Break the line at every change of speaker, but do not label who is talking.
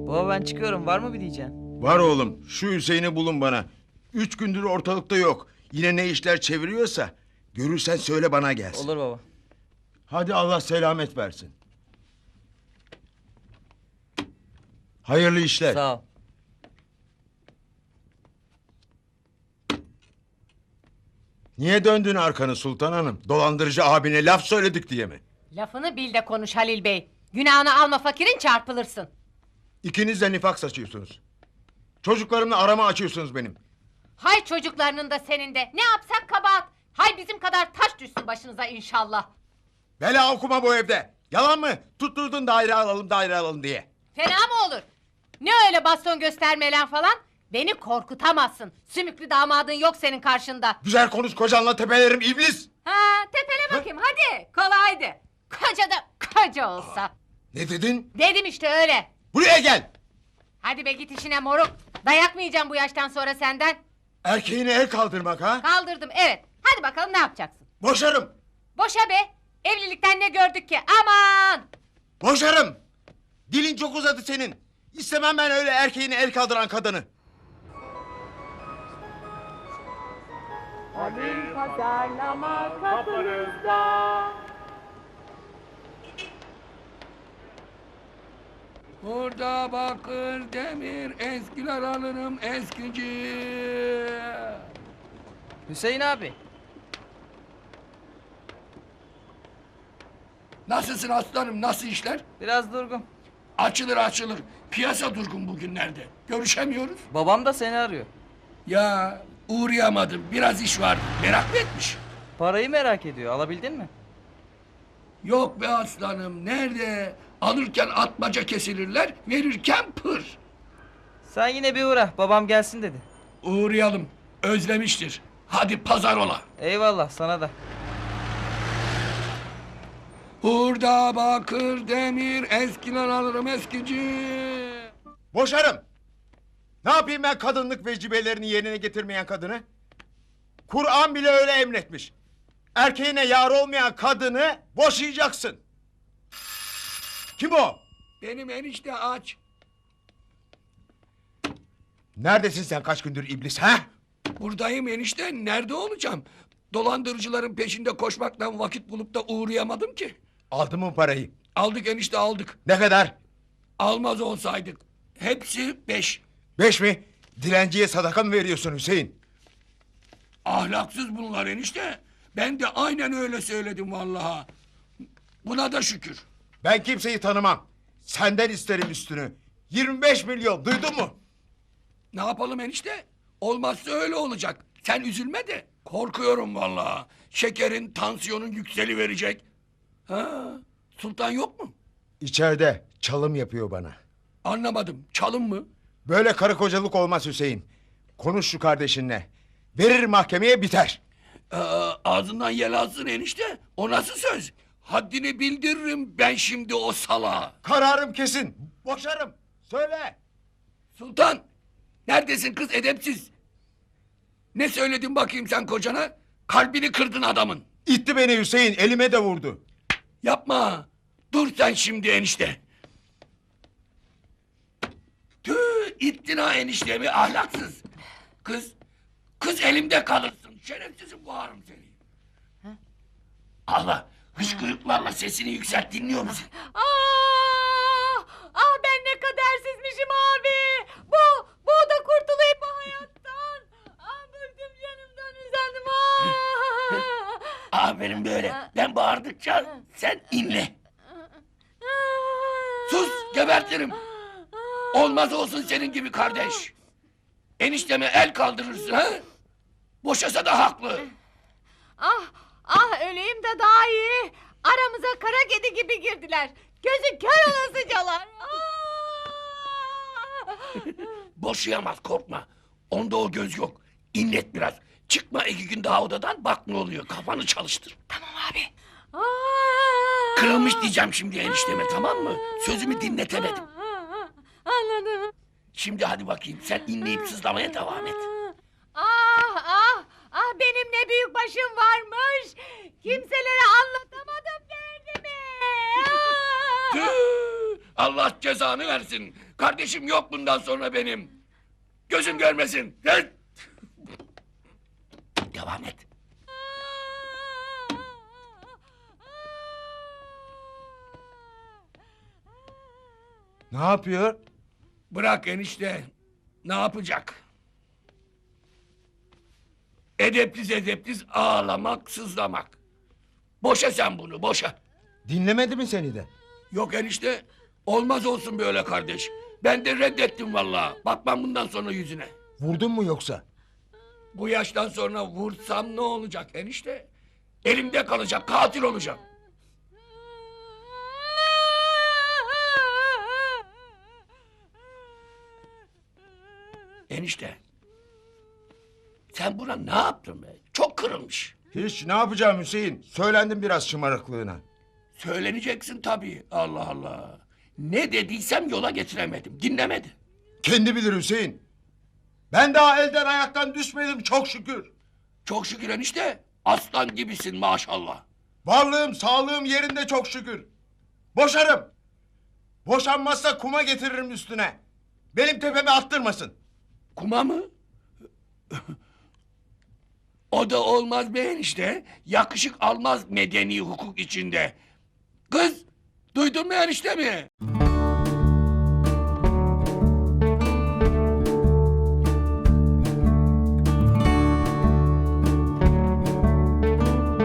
Baba ben çıkıyorum, var mı bir diyeceğin?
Var oğlum, şu Hüseyin'i bulun bana. 3 gündür ortalıkta yok. Yine ne işler çeviriyorsa görürsen söyle bana gelsin.
Olur baba.
Hadi Allah selamet versin. Hayırlı işler.
Sağ ol.
Niye döndün arkanı Sultan Hanım? Dolandırıcı abine laf söyledik diye mi?
Lafını bil de konuş Halil Bey. Günahını alma fakirin, çarpılırsın.
İkiniz de nifak saçıyorsunuz. Çocuklarımla arama açıyorsunuz benim.
Hay çocuklarının da senin de. Ne yapsak kabahat. Hay bizim kadar taş düşsün başınıza inşallah.
Bela okuma bu evde. Yalan mı? Tutturdun daire alalım diye.
Fena mı olur? Ne öyle baston göstermeler falan? Beni korkutamazsın. Sümüklü damadın yok senin karşında.
Güzel konuş kocanla tepelerim iblis.
Ha, tepele bakayım hadi. Kolaydı. Koca da koca olsa.
Ne dedin?
Dedim işte öyle.
Buraya gel.
Hadi be git işine moruk. Dayak mı yiyeceğim bu yaştan sonra senden?
Erkeğine el kaldırmak ha?
Kaldırdım evet. Hadi bakalım ne yapacaksın?
Boşarım.
Boşa be. Evlilikten ne gördük ki? Aman!
Boşarım. Dilin çok uzadı senin. İstemem ben öyle erkeğine el kaldıran kadını.
Halil pazarlama kapınızda.
Burada bakır, demir, eskiler alırım eskici.
Hüseyin abi.
Nasılsın aslanım, nasıl işler?
Biraz durgun.
Açılır. Piyasa durgun bugünlerde. Görüşemiyoruz.
Babam da seni arıyor.
Ya uğrayamadım, biraz iş var. Merak mı etmiş?
Parayı merak ediyor. Alabildin mi?
Yok be aslanım, nerede? Alırken atmaca kesilirler, verirken pır.
Sen yine bir uğra. Babam gelsin dedi.
Uğrayalım, özlemiştir. Hadi pazar ola.
Eyvallah sana da.
Burada bakır, demir, eskiler alırım eskici.
Boşarım. Ne yapayım ben kadınlık vecibelerini yerine getirmeyen kadını? Kur'an bile öyle emretmiş. Erkeğine yar olmayan kadını boşayacaksın. Kim o?
Benim enişte aç.
Neredesin sen kaç gündür iblis ha?
Buradayım enişte, nerede olacağım? Dolandırıcıların peşinde koşmaktan vakit bulup da uğrayamadım ki.
Aldın mı parayı?
Aldık enişte aldık.
Ne kadar?
Almaz olsaydık. Hepsi 5.
5 mi? Dilenciye sadaka mı veriyorsun Hüseyin?
Ahlaksız bunlar enişte. Ben de aynen öyle söyledim vallahi. Buna da şükür.
Ben kimseyi tanımam. Senden isterim üstünü. 25 milyon duydun mu?
Ne yapalım enişte? Olmazsa öyle olacak. Sen üzülme de. Korkuyorum vallahi. Şekerin, tansiyonun yükseli verecek. Ha, Sultan yok mu?
İçeride çalım yapıyor bana.
Anlamadım. Çalın mı?
Böyle karı kocalık olmaz Hüseyin. Konuş şu kardeşinle. Verir mahkemeye biter.
Ağzından yel alsın enişte. O nasıl söz? Haddini bildiririm ben şimdi o salağa.
Kararım kesin. Boşarım. Söyle.
Sultan! Neredesin kız edepsiz? Ne söyledin bakayım sen kocana? Kalbini kırdın adamın.
İtti beni Hüseyin. Elime de vurdu.
Yapma. Dur sen şimdi enişte. Tüh, ittin ha eniştemi ahlaksız. Kız elimde kalırsın. Şerefsizim boğarım seni. Allah, hıçkırıklarla sesini yükselt, dinliyor musun?
Ah ben ne kadersizmişim abi. Bu da kurtulayım bu hayattan. Ah bıktım canımdan üzerdim.
Aferin böyle. Ben bağırdıkça sen inle. Sus, gebertirim. Olmaz olsun senin gibi kardeş. Enişteme el kaldırırsın ha? Boşasa da haklı.
Ah öleyim de daha iyi. Aramıza kara kedi gibi girdiler. Gözü kör olasıcalar.
Boşayamaz, korkma. Onda o göz yok. İnlet biraz. Çıkma 2 gün daha odadan, bak ne oluyor. Kafanı çalıştır. Tamam abi. Kırılmış diyeceğim şimdi enişteme, tamam mı? Sözümü dinletemedim.
Anladım.
Şimdi hadi bakayım, sen inleyip sızlamaya devam et.
Benim ne büyük başım varmış. Kimselere anlatamadım derdimi.
Tüh! Allah cezanı versin. Kardeşim yok bundan sonra benim. Gözüm görmesin. Lan! Devam et.
Ne yapıyor?
Bırak enişte. Ne yapacak? Edepliz edepliz ağlamak, sızlamak. Boşa sen bunu, boşa.
Dinlemedi mi seni de?
Yok enişte, olmaz olsun böyle kardeş. Ben de reddettim vallahi. Bakmam bundan sonra yüzüne.
Vurdun mu yoksa?
Bu yaştan sonra vursam ne olacak enişte? Elimde kalacak, katil olacağım. Enişte, sen buna ne yaptın be? Çok kırılmış.
Hiç, ne yapacağım Hüseyin? Söylendim biraz şımarıklığına.
Söyleneceksin tabii. Allah Allah. Ne dediysem yola getiremedim. Dinlemedi.
Kendi bilir Hüseyin. Ben daha elden ayaktan düşmedim çok şükür.
Çok şükür enişte. Aslan gibisin maşallah.
Varlığım sağlığım yerinde çok şükür. Boşarım. Boşanmazsa kuma getiririm üstüne. Benim tepeme attırmasın.
Kuma mı? O da olmaz be enişte. Yakışık almaz medeni hukuk içinde. Kız, duydun mu enişte mi?